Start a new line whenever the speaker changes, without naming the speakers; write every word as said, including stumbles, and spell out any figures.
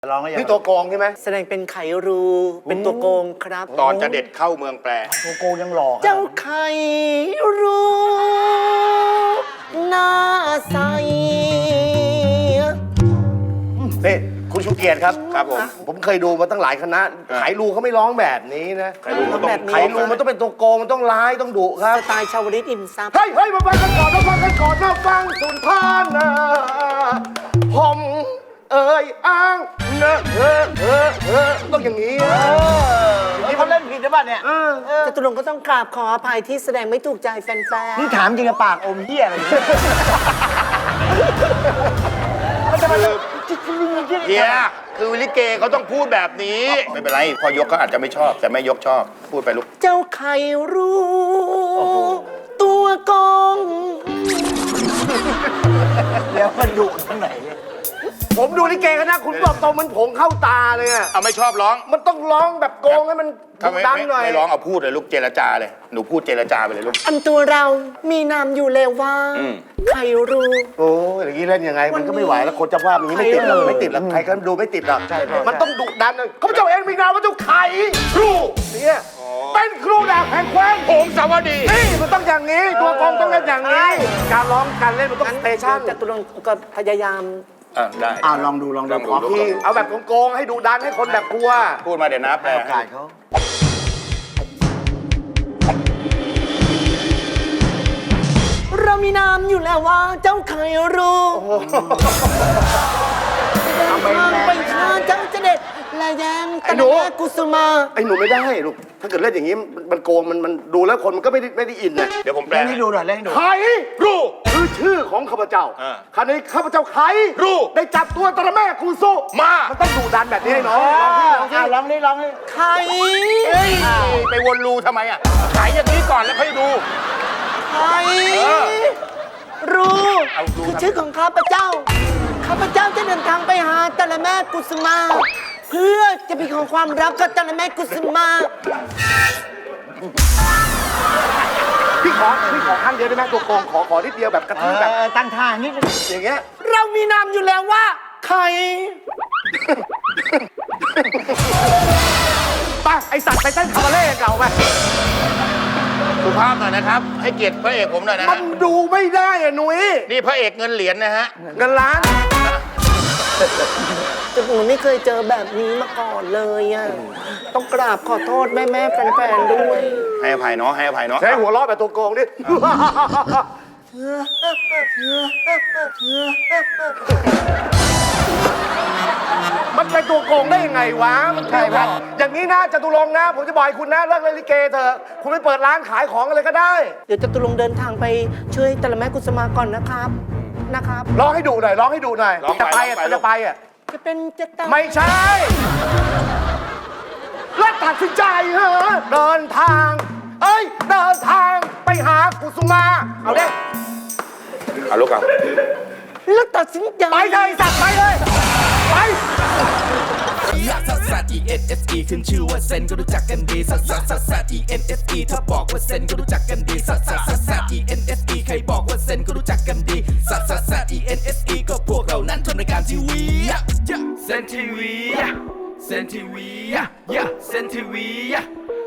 ร้องก็ยัง
นี่ตัวโกงใช่ไหม
แสดงเป็นไขรูเป็นตัวโกงครับ
ตอนจะเด็ดเข้าเมืองแปร
ตัวโกงยังหล่อ
เจ้าไขรูหน้าใส
นี่คุณชูเกียรติครับ
ครับผม
ผมเคยดูมาตั้งหลายคณะไขรูเขาไม่ร้องแบบนี้นะ
ไขรูเขาต้อง
แบบ
ไข
นี้
รูมันต้องเป็นตัวโกงมันต้องร้ายต้องดุครับ
สไตล์ชาวลิตอินซับ
เฮ้ยเฮ้ยมาฟังกันก่อนมาฟังกันก่อนมาฟังสุนทรนะผมเอ่ยอ้างเนอะเออเออเออต้องอย่างนี้นะ
นี่เขาเล่นผิดหรือเปล่าเนี่ย
จตุรงค์ก็ต้องกราบขออภัยที่แสดงไม่ถูกใจแฟน
นี่ถามจริงกับปากอมเหี้ยอะไรเนี่ย
เฮียคือลิเกเขาต้องพูดแบบนี้ ไม่เป็นไร พอยกก็อาจจะไม่ชอบ แต่แม่ยกชอบ พูดไปลูก
ๆ เจ้าไขรูตัวโกง
เดี๋ยวมันดุตรงไหนเนี่ย
ผมดูลิเกคณะคุณบอกตรงมันผงเข้าตาเลยอะ
เอาไม่ชอบร้อง
มันต้องร้องแบบโกงให้มัน
ถ้าไม่
ดัง
ไม่
หน่อย
ไม่ร้องเอาพูดเลยลูกเจรจาเลย หนูพูดเจรจาไปเลยลูก
อันตัวเรามีนามอยู่แล้วว่า
อืม
ไขรู
โอ้ยอย่างนี้เล่นยังไงมันก็ไม่ไหวแล้วคนเจ้าภาพอย่างนี้ไม่ติดหรอกไม่ติดหรอกใครก็ดูไม่ติดหรอกมันต้องดุดันเลยเขาพเจ้าเองมีนามว่าเจ้าไข่ครูเนี่ยเป็นครูดาบแห่งแคว้น
ผงสวัสดี
นี่มันต้องอย่างนี้ตัวกองต้องเล่นอย่างนี้ การร้องการเล่นมันต้อง
งั้น
สเตชัน
จตุรงค์ก็พยายาม
อ่าได้
อ้าวลองดูลองดู
ลองดู
ขอ
ที่เอาแบบโกงๆให้ดุดันให้คนแบบกลัว
พูดมาเดี๋ยวนะแปล
ให้โอกาสเขา
เรามีนามอยู่แล้วว่าเจ้าไขรูเดินทางไปหาเจ้าเจเด็ดและแยงตะแลกุสุมา
ไอ้หนูไม่ได้ลูกถ้าเกิดเล่นอย่างนี้มันมันโกงมันมันดูแล้วคนมันก็ไม่ได้ไม่ได้อินนะ
เดี๋ยวผมแปล
เล่นให้ดูหน่อยเล่นให้ดู
ไข่รูคือชื่อของข้าพเจ้า
อ่า
คราวนี้ข้าพเจ้าไข่
รู
ได้จับตัวตระแม่กูสู้
มา
มันต้องดุดันแบบนี้ให้น้อง
อ้าวลองนี่ลองนี่
ไข่
เฮ้ยไปวนรูทำไมอ่ะขายอย่างนี้ก่อนแล้วค่อยดู
ไข่
เออ
รู
เอารู
คือชื่อของข้าพเจ้า ข้าพเจ้าจะเดินทางไปหาตะละแม่กุสุมา เพื่อจะไปขอความรักกับตะละแม่กุสุมา
พี่ขอพี่ขอครั้งเดียวได้ไหมตัวโกงขอขอนิดเดียวแบบกระ
เอ
ทืบแบบ
อตั้งท่านิดนึง
อย่างเงี้ย
เรามีนามอยู่แล้วว่าไข่
ไปไอสัตว์ไปเต้นคาบาเล่เก่าไป
สุภาพหน่อยนะครับ ให้เกียรติพระเอกผมหน่อยนะ
มั
ฮะ
นดูไม่ได้อะหนุ่ย
นี่พระเอกเงินเหรียญนะฮะ
เงินล้าน
แต่หนูไม่เคยเจอแบบนี้มาก่อนเลยอ่ะ ต้องกราบขอโทษแม่แม่ๆแฟนๆด้วย
ให้อภัยเนาะให้อภัยเนาะ
ใช้หัวล้อแบบตัวโกงดิมันเป็นตัวโกงได้ยังไงวะมันใช่ไหมอย่างนี้นะจตุรงค์นะ ผมจะบอกให้คุณนะเลิกเล่นลิเกเถอะคุณไปเปิดร้านขายของอะไรก็ได้
เดี๋ยวจะตุลงค์เดินทางไปช่วยตะละแม่กุสมาก่อนนะครับ นะครับ
ร้องให้ดูหน่อยร้องให้ดูหน่อย
ร้อง
จะ
ไป
ไป
ร้อง
อ่ะ
ไป
จะไปอ่ะ
จะเป็นจะตาย
ไม่ใช่ แล้วตัดสินใจเหรอเดินทาง เอ้ย เดินทางไปหากุสุมา เอาเด้
เอาลูกเอา
แล้วตัดสินใจ
ไปเลยสัตว์ไปเลย ไป
ลักซัสซัส E N S E ขึ้นชื่อว่าเซนก็รู้จักกันดีซัสซัสซัสซัส E N S E ถ้าบอกว่าเซนก็รู้จักกันดีซัสซัสซัสซัส E N S E ใครบอกว่าเซนก็รู้จักกันดีซัสซัสซัส E N S E ก็พวกเรานั้นทำรายการทีวีเซนทีวีเซนทีวีเซนทีวี